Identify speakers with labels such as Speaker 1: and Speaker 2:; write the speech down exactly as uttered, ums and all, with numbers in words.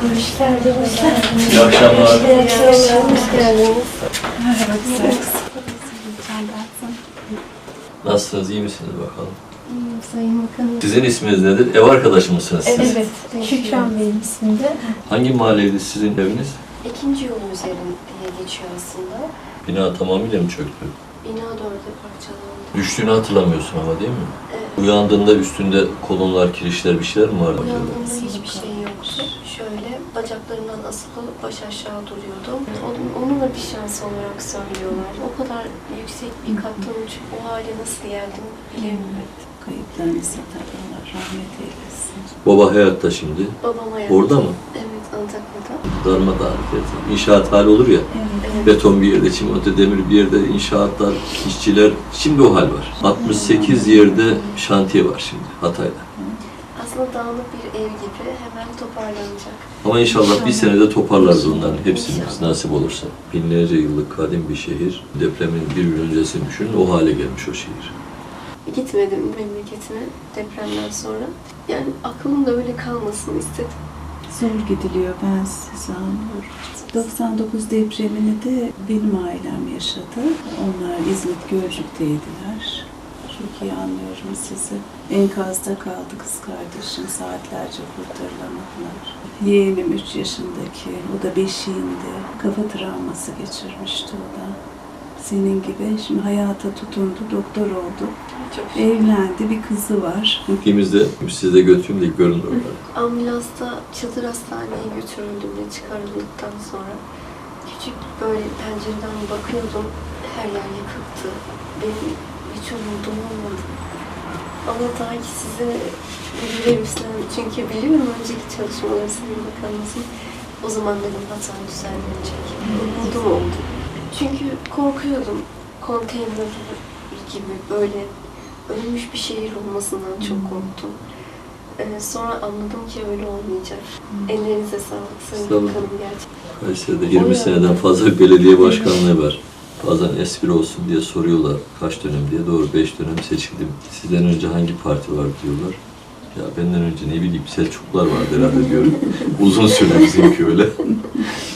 Speaker 1: Hoş geldiniz.
Speaker 2: İyi akşamlar.
Speaker 1: İyi akşamlar. Hoş geldiniz.
Speaker 3: Merhaba güzel.
Speaker 2: Nasılsınız, iyi misiniz bakalım?
Speaker 1: İyiyim Sayın Bakanım.
Speaker 2: Sizin isminiz nedir? Ev arkadaşı mısınız siz?
Speaker 3: Evet, Şükran Bey'in isminde.
Speaker 2: Hangi mahalleydi sizin eviniz?
Speaker 1: İkinci yol üzerinde diye geçiyor aslında.
Speaker 2: Bina tamamıyla mı çöktü?
Speaker 1: Bina dörde parçalandı.
Speaker 2: Düştüğünü hatırlamıyorsun ama değil mi?
Speaker 1: Evet.
Speaker 2: Uyandığında üstünde kolonlar, kirişler bir şeyler mi vardı?
Speaker 1: Uyandığımda hiçbir şey yoktu. Şöyle bacaklarımdan asılı baş aşağı duruyordum. Onun, onunla bir şans olarak söylüyorlar. O kadar yüksek bir kattan uçup o hale nasıl geldim bilemiyorum.
Speaker 3: Kayıplarınızı da Allah rahmet eylesin.
Speaker 2: Baba hayatta şimdi.
Speaker 1: Babam hayatta.
Speaker 2: Orada mı?
Speaker 1: Evet, Antakya'da.
Speaker 2: Darmadağın. İnşaat hali olur ya.
Speaker 3: Evet.
Speaker 1: Evet.
Speaker 2: Beton bir yerde, çimento demir bir yerde, inşaatlar, işçiler. Şimdi o hal var. altmış sekiz yerde şantiye var şimdi Hatay'da.
Speaker 1: Aslında dağınık bir ev gibi hemen toparlanacak.
Speaker 2: Ama inşallah,
Speaker 1: İnşallah.
Speaker 2: bir senede toparlarız onların hepsini,
Speaker 1: İnşallah.
Speaker 2: nasip olursa. Binlerce yıllık kadim bir şehir. Depremin bir gün öncesini düşünün, o hale gelmiş o şehir.
Speaker 1: Gitmedim memleketime depremden sonra. Yani aklımda öyle kalmasını istedim.
Speaker 3: Zor gidiliyor, ben sizi anlıyorum. doksan dokuz depremini de benim ailem yaşadı. Onlar İzmit Gölcük'teydiler. Çok iyi anlıyorum sizi. Enkazda kaldı kız kardeşim, saatlerce kurtarılamadılar. Yeğenim üç yaşındaki, o da beşiğinde. Kafa travması geçirmişti o da. Senin gibi şimdi hayata tutundu, doktor oldu.
Speaker 1: Çok şükür.
Speaker 3: Evlendi, bir kızı var.
Speaker 2: Gittiğimizde, size götüreyim de görün oraları.
Speaker 1: Ambulansla Çadır Hastane'ye götürüldüğümde çıkarıldıktan sonra küçük böyle pencereden bakıyordum. Her yer yıkıktı. Benim hiç umudum olmadı. Ama daha ki size bilgiler üstlendim. Çünkü biliyorum önceki çalışmaları Sayın Bakanımızın. O zaman dedim hata düzenlenecek. Umudum oldu. Çünkü korkuyordum. Konteyner gibi böyle ölmüş bir şehir olmasından çok korktum. Ee, sonra anladım ki öyle olmayacak. Ellerinize sağlık Sayın
Speaker 2: Sağ olun.
Speaker 1: Bakanım gerçekten.
Speaker 2: Kayseri'de yirmi seneden fazla bir belediye başkanlığı var. Bazen espri olsun diye soruyorlar kaç dönem diye. Doğru, beş dönem seçildim. Sizden önce hangi parti var diyorlar. Ya benden önce ne bileyim Selçuklular vardı herhalde diyorum. Uzun süre bizimki öyle.